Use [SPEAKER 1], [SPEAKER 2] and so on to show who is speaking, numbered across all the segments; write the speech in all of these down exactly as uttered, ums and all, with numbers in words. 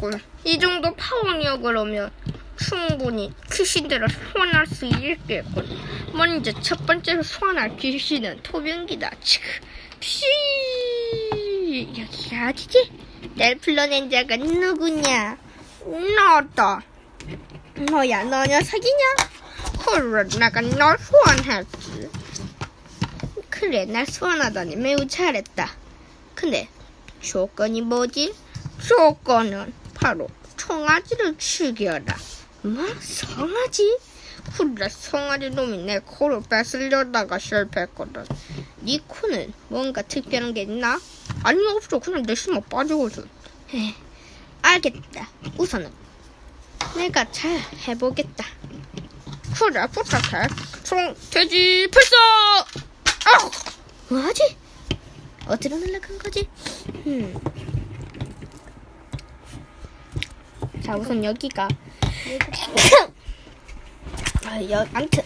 [SPEAKER 1] 됐군. 이 정도 파워력으로면 충분히 귀신들을 소환할 수 있겠군. 먼저 첫 번째로 소환할 귀신은 토병기다. 치크 피 여기가 어디지? 날 불러낸 자가 누구냐? 나왔다. 너야, 너 녀석이냐? 그래, 내가 널 소환했지. 그래, 날 소환하다니 매우 잘했다. 근데 조건이 뭐지? 조건은 바로 송아지를 죽여라. 뭐? 송아지? 그래, 송아지 놈이 내 코를 뺏으려다가 실패했거든. 네 코는 뭔가 특별한 게 있나? 아니, 없어. 그냥 내 심어 빠지거든. 에이, 알겠다. 우선은 내가 잘 해보겠다. 그래, 부탁해. 총, 돼지, 불사! 아! 뭐하지? 어디로 날아간 거지? 음. 자, 우선 여기가. 아, 여, 암튼.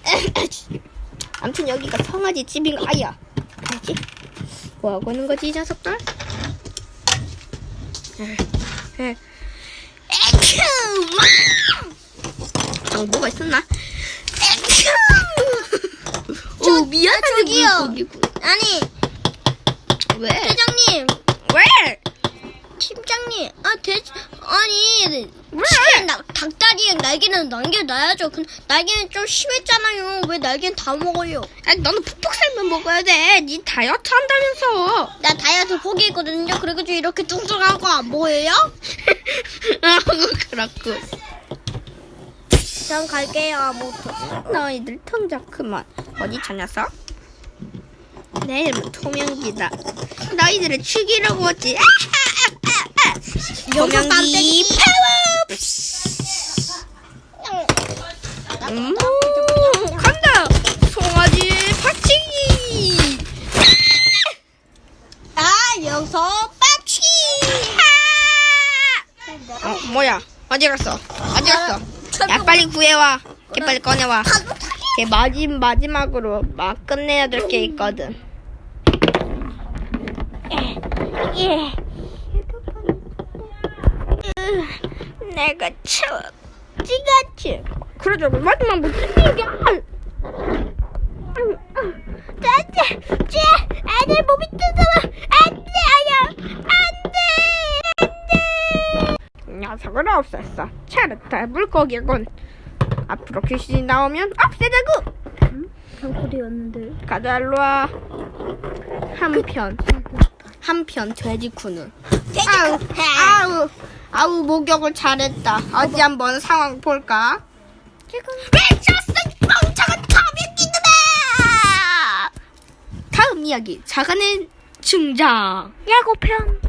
[SPEAKER 1] 암튼 여기가 성아지 집인 거, 아야. 뭐지? 뭐하고 있는 거지, 이 녀석들? 에, 에큐! 어, 뭐가 있었나? 에큐! 오, 미안한데,
[SPEAKER 2] 저기요.
[SPEAKER 1] 물고기군.
[SPEAKER 2] 아니,
[SPEAKER 1] 왜?
[SPEAKER 2] 대장님,
[SPEAKER 1] 왜?
[SPEAKER 2] 팀장님, 아, 대, 아니,
[SPEAKER 1] 왜?
[SPEAKER 2] 치킨 나, 닭다리랑 날개는 남겨놔야죠. 근 날개는 좀 심했잖아요. 왜 날개는 다 먹어요?
[SPEAKER 1] 아니, 너는 푹푹 살면 먹어야 돼. 니 다이어트 한다면서.
[SPEAKER 2] 나 다이어트 포기했거든요. 그래가지고 이렇게 뚱뚱한 거 안 보여요?
[SPEAKER 1] 아, 그렇군.
[SPEAKER 2] 전 갈게요, 아무튼.
[SPEAKER 1] 너희들 통작 그만. 어디 저 녀석? 내 이름은 토명기다. 너희들을 죽이려고 왔지. 토명기 파워! 음, 간다! 송아지 박치기!
[SPEAKER 2] 아, 여기서 빠치!
[SPEAKER 1] 어, 뭐야? 어디 갔어? 어디 갔어? 야, 빨리 구해와. 걔 빨리 꺼내와. 걔 마지, 마지막으로 막 끝내야 될 게 있거든. 예. 내가 쳐. 찌같이. 그러자, 마지막 못 챙겨. 짜짜, 쟤, 애들 몸이 뜨거워. 안 돼, 아야. 안 돼. 안 돼. 녀석을 없앴어. 잘했다, 물고기군. 앞으로 귀신이 나오면 없애자고.
[SPEAKER 2] 장소리였는데.
[SPEAKER 1] 가자, 일로와. 한편 한편 돼지쿠는 아우 아우 아우 목욕을 잘했다. 어디 한번 상황 볼까? 미쳤어, 멍청한 토명기들아. 다음 이야기 자간의 등장 예고편.